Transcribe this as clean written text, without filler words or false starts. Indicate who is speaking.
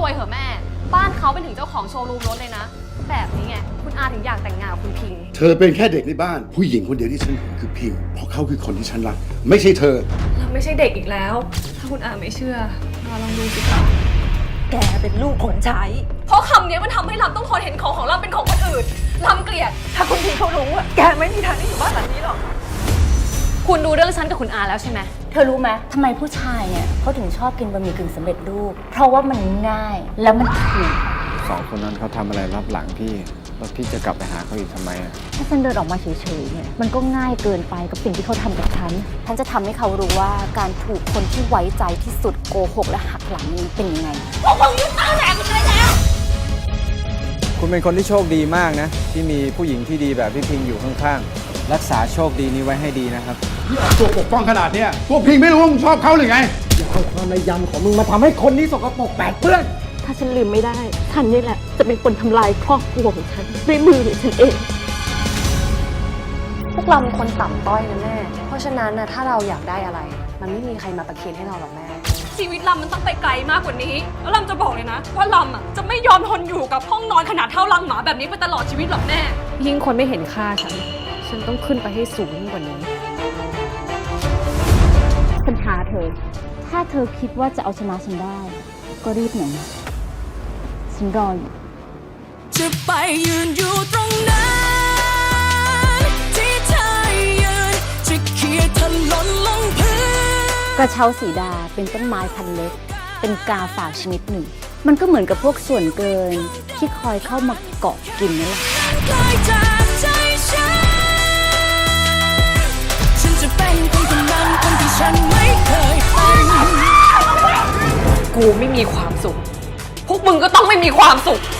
Speaker 1: วยเหอะแม่บ้านเขาเป็นถึงเจ้าของโชว์รูมรถเลยนะแบบนี้ไงคุณอาถึงอยากแต่งงานกับคุณพิงค์
Speaker 2: เธอเป็นแค่เด็กในบ้านผู้หญิงคนเดียวที่ฉันเห็นคือพิงเพราะเขาคือคนที่ฉันรักไม่ใช่เธอ
Speaker 1: เราไม่ใช่เด็กอีกแล้วถ้าคุณอาไม่เชื่อเราลองดูสิคะ
Speaker 3: แกเป็นลูกคนใช้
Speaker 1: เพราะคำนี้มันทำให้ลำต้องทนเห็นของลำเป็นของคนอื่นลำเกลียด
Speaker 3: ถ้าคุณพี่เขารู้อะแกไม่มีทางได้อยู่บ้านหลังนี้หรอก
Speaker 1: คุณดูเรื่องฉันกับคุณอาแล้วใช่ไหม
Speaker 4: เธอรู้ไหมทำไมผู้ชายเนี่ยเขาถึงชอบกินบะหมี่กึ่งสำเร็จรูปเพราะว่ามันง่ายแล้วมันถูก
Speaker 5: 2 คนนั้นเขาทำอะไรรับหลังพี่แล้วพี่จะกลับไปหาเขาอีกทำไมอ่ะ
Speaker 4: ถ้าฉันเดินออกมาเฉยๆเนี่ยมันก็ง่ายเกินไปกับสิ่งที่เขาทำกับฉันจะทำให้เขารู้ว่าการถูกคนที่ไว้ใจที่สุดโกหกและหักหลังนี้เป็นยังไง
Speaker 1: พวกมึงยุ่งเอาแหลกกันเลยแล้ว
Speaker 5: คุณเป็นคนที่โชคดีมากนะที่มีผู้หญิงที่ดีแบบพี่พิงอยู่ข้างๆรักษาโชคดีนี้ไว้ให้ดีนะครับ
Speaker 2: ตัวปกป้องขนาดเนี้ยพวกพิงไม่รู้ว่ามึงชอบเขาหรือไง
Speaker 6: อย่าเอาความในยำของมึงมาทำให้คนนี้สกปรกแปดเปื้อน
Speaker 7: ถ้าฉันลืมไม่ได้ฉันนี่แหละจะเป็นคนทำลายครอบครัวของฉันด้วยมือของฉันเอง
Speaker 1: พวกเราเป็นคนต่ำต้อยนะแม่เพราะฉะนั้นนะถ้าเราอยากได้อะไรมันไม่มีใครมาประเคนให้เราหรอกแม่ชีวิตลำมันต้องไปไกลมากกว่านี้แล้วลำจะบอกเลยนะว่าลำอ่ะจะไม่ยอมทนอยู่กับห้องนอนขนาดเท่ารังหมาแบบนี้ไปตลอดชีวิตหรอกแม่ยิ่งคนไม่เห็นค่าฉันต้องขึ้นไปให้สูงยิ่งกว่านี้
Speaker 4: ปัญหาเธอถ้าเธอคิดว่าจะเอาชนะฉันได้ก็รีบหน่อยนะฉันรออยู่
Speaker 8: จะไปยืนอยู่ตรงนั้นที่เธอยืนจะเขี่ยถลนลงพื้น
Speaker 4: กระเช้าสีดาเป็นต้นไม้พันเล็กเป็นกาฝากชนิดหนึ่งมันก็เหมือนกับพวกส่วนเกินที่คอยเข้ามาเกาะกินนั่นแหละ
Speaker 8: ฉันจะเป็นคนนั้นคนที่ฉันไม่เคยเป็น
Speaker 1: กูไม่มีความสุขพวกมึงก็ต้องไม่มีความสุข